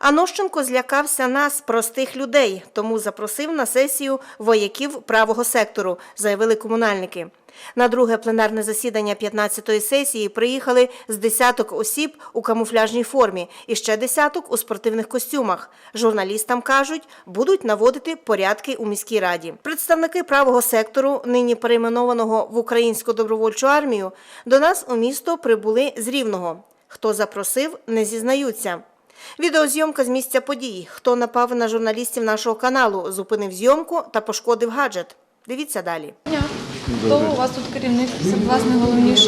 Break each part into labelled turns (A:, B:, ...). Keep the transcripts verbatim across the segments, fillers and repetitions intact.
A: Анощенко злякався нас, простих людей, тому запросив на сесію вояків правого сектору, заявили комунальники. На друге пленарне засідання п'ятнадцятої сесії приїхали з десяток осіб у камуфляжній формі і ще десяток у спортивних костюмах. Журналістам кажуть, будуть наводити порядки у міській раді. Представники правого сектору, нині перейменованого в Українську добровольчу армію, до нас у місто прибули з Рівного. Хто запросив, не зізнаються. Відеозйомка з місця подій. Хто напав на журналістів нашого каналу, зупинив зйомку та пошкодив гаджет. Дивіться далі.
B: Хто у вас тут керівник, власне, головніший?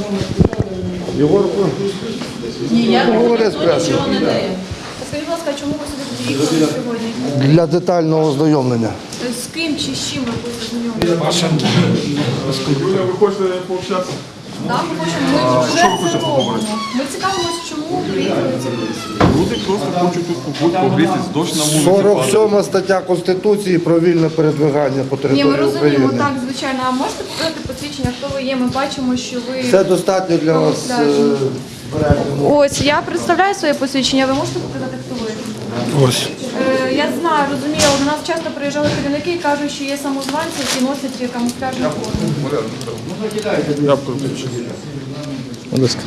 C: Єгор, говорить з пресою.
B: Скажіть, будь ласка, чому ви сюди приїхали сьогодні?
C: Для детального ознайомлення.
B: З ким чи з чим ви хочете знайомитися?
D: Юля, ви хочете пообщатися?
B: Так, ми хочемо, ми вже це робимо. Ми цікавимося, чому приїхали ці люди.
D: Люди просто хочуть тут побути, погрітись, дощ на вулиці.
C: сорок сьома стаття Конституції про вільне передвигання по
B: Ні,
C: території
B: ми розуміємо,
C: України.
B: так, звичайно. А можете показати посвідчення, хто ви є? Ми бачимо, що ви...
C: Це достатньо для вас. е, перегляду.
B: Ось, я представляю своє посвідчення, ви можете показати, хто ви?
C: Ось.
B: Е, я знаю, розумію, але до нас часто приїжджали керівники і кажуть, що є самозванці, які носять камуфляжну форму.
D: Я включу.
C: Будь ласка.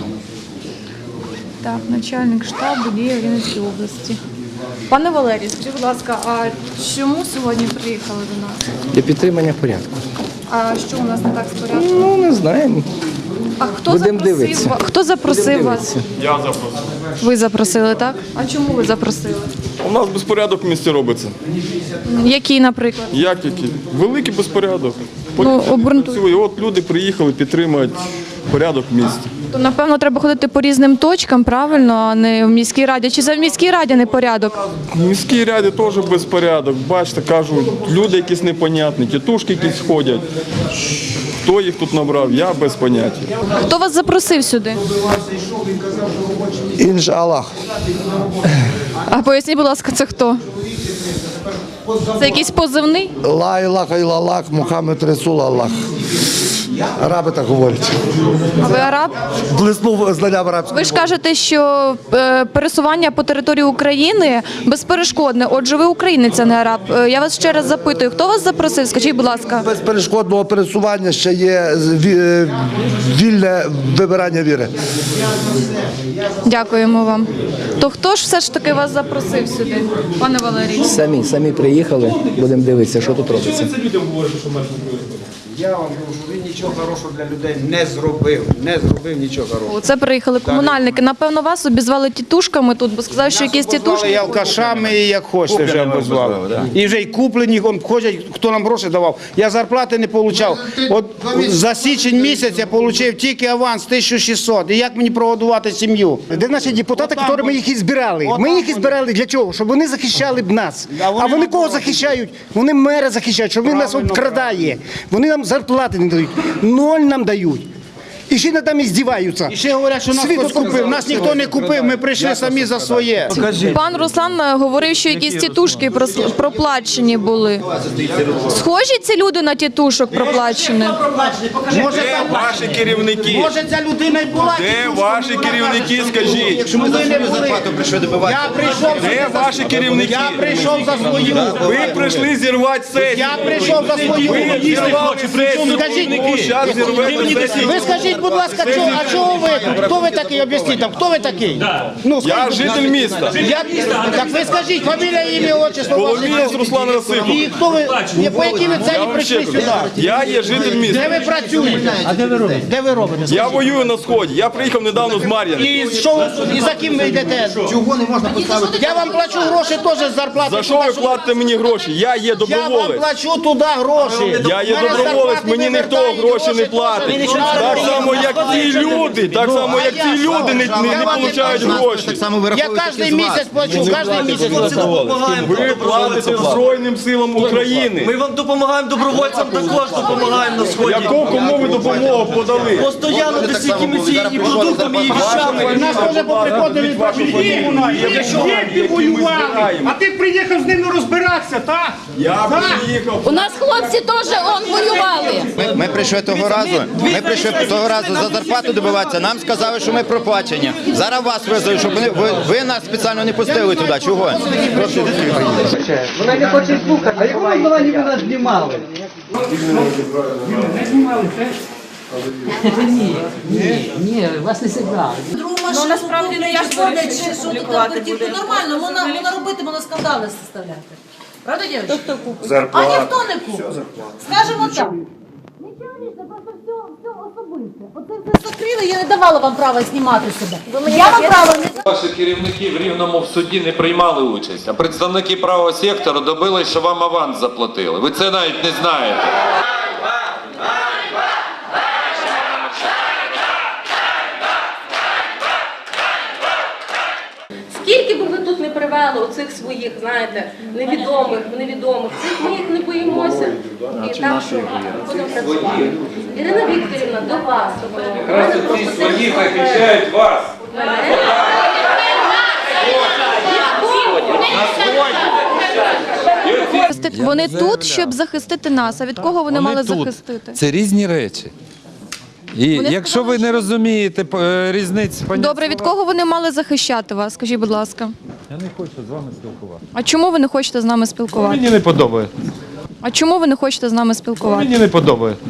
B: Так, начальник штабу діє в Рівненській області. Пане Валерій, скажіть, будь ласка, а чому сьогодні приїхали до нас?
E: Для підтримання порядку.
B: А що у нас не так з порядком?
E: Ну, не знаємо.
B: А хто
E: Будемо
B: запросив,
E: дивитися.
B: ва- хто запросив вас?
D: Я запросив.
B: Ви запросили, так? А чому ви запросили?
D: У нас безпорядок в місті робиться.
B: Який, наприклад?
D: Як який? Великий безпорядок.
B: Ну, обґрунтуй.
D: Працює. От люди приїхали підтримують порядок в місті.
B: То, напевно, треба ходити по різним точкам, правильно, а не в міській раді. Чи це в міській раді не порядок?
D: В міській раді теж безпорядок. Бачите, кажуть, люди якісь непонятні, тітушки якісь ходять. Хто їх тут набрав, я без поняття.
B: Хто вас запросив сюди?
C: Інж Аллах.
B: А поясніть, будь ласка, це хто? Це якийсь позивний?
C: Ла Ілаха Ілаллах, Мухаммед Расул Аллах. Араби так говорять.
B: А ви араб?
C: Блиснув знанням арабської.
B: Ви ж кажете, що е, пересування по території України безперешкодне. Отже, ви українець, а не араб. Е, Я вас ще раз запитую, хто вас запросив? Скажіть, будь ласка.
C: Без перешкодного пересування ще є ві- вільне вибирання віри.
B: Дякуємо вам. То хто ж все ж таки вас запросив сюди, пане Валерій?
E: Самі, самі приїхали, будемо дивитися, що тут робиться.
F: Я вам кажу, він нічого хорошого для людей не зробив. Не зробив нічого хорошого.
B: Це приїхали комунальники. Напевно, вас обізвали тітушками тут, бо сказали, що якісь
F: Обозвали
B: тітушки.
F: і алкашами, і як хочете вже обозвали. І вже й куплені, он ходять, хто нам гроші давав. Я зарплати не отримав. От за січень місяць я отримав тільки аванс тисячу шістсот. І як мені прогодувати сім'ю?
G: Де наші депутати, які ми їх і збирали? Ми їх і збирали для чого? Щоб вони захищали б нас.
F: А вони
G: А вони
F: нам
G: кого
F: дорого.
G: захищають? Вони мера захищають, щоб він нас
F: Правильно,
G: обкрадає. Вони нам зарплати не дають. Ноль нам дають. І ще над нами здіваються.
F: І ще говорять, що нас
G: Світ
F: хтось купив. Нас ніхто не купив, ми прийшли самі за своє.
B: Пан Руслан е, говорив, що якісь тітушки прос- проплачені були. Схожі ці люди на тітушок проплачених?
F: Може,
D: Де
F: там-
D: ваші керівники?
F: може ця людина й була.
D: Де
F: тітушкою,
D: ваші
F: вона
D: керівники,
F: каже,
D: скажіть?
F: Якщо ми не були. Я прийшов
D: Де
F: сюди за-
D: ваші керівники?
F: Я прийшов за свою.
D: Ви прийшли зірвати сесію.
F: Я прийшов за свою.
D: Ви зірвали сесію.
F: Скажіть,
D: Зараз зірвете сесію.
F: ви скажіть, будь ласка, чого, а чого ви тут? Хто ви такий? Об'ясніть там, хто ви такий? Ну,
D: Я
F: скажіть,
D: житель міста.
F: як, так ви скажіть, фамілія, ім'я, отчество.
D: Полумієць Руслан
F: І
D: Расимович.
F: хто ви, ні, по якій ви
D: Я
F: целі
D: вам
F: прийшли
D: ще
F: сюди?
D: кажу, я є житель
F: Де
D: міста.
F: ви працюєте? А де ви робите? Де ви робите?
D: Я воюю на сході. Я приїхав недавно з Мар'яни.
F: І що ви, і за ким ви йдете? Чого не можна поставити? Я вам плачу гроші теж з зарплати.
D: За що ви платите мені гроші? Я є
F: Я вам
D: доброволець.
F: плачу туди гроші.
D: Я є
F: Мене
D: доброволець,
F: зарплати
D: мені ніхто
F: вивертають,
D: гроші не
F: теж.
D: платить.
F: Ви
D: Так
F: нічого
D: само,
F: не
D: як ці люди, так само, як ці люди не, не, не получають гроші.
F: Я кожен місяць плачу, кожен місяць плачу.
D: Ви платите Збройним силам України.
H: Ми вам допомагаємо, добровольцям також допомагаємо на сході.
D: Яку кому ви допомогу подали?
H: Постоянно десь якимись і продуктами, і вещами.
F: Нас теж поприходили від вашої
G: Діти воювали, а ти приїхав з ними розбиратися, так?
D: Я приїхав.
I: У нас хлопці теж он воювали.
J: Ми, ми прийшли того разу. Ми прийшли того разу.
I: разу за зарплату добиватися. Нам сказали, що ми проплачені. Зараз вас визовуть, щоб ви, ви, ви нас спеціально не пустили туди. Чого?
H: Вона не хоче слухати. А як вона була, ніби нас знімали? Ні, ні, ні, вас не зіграли.
J: Ну насправді не я ж ходить, що тут буде. Нормально, можна, можна робити, можна скандали составляти. Правда, дівчата? А ніхто не купить. Скажемо так. Нічого, нічого, просто все, все особисте. Оце все закрили, я не давала вам права знімати себе. Я вам права не давала.
K: Ваші керівники в Рівному в суді не приймали участь, а представники правого сектору добились, що вам аванс заплатили. Ви це навіть не знаєте.
J: Скільки би ви тут не привели оцих своїх, знаєте, невідомих, невідомих, цих ми їх не боїмося. І так, що будемо працювати. Ірина Вікторівна, до вас.
K: Якраз ці свої захищають вас.
B: Вони тут, щоб захистити нас. А від кого вони мали захистити?
L: Це різні речі. І
B: Вони
L: якщо
B: сказали,
L: ви не
B: що-
L: розумієте е, різниці,
B: Добре, від кого вони мали захищати вас? Скажіть, будь ласка.
L: я не хочу з вами спілкуватися.
B: А чому ви не хочете з нами спілкуватися?
L: Мені не подобається.
B: А чому ви не хочете з нами спілкуватися?
L: Мені не подобається.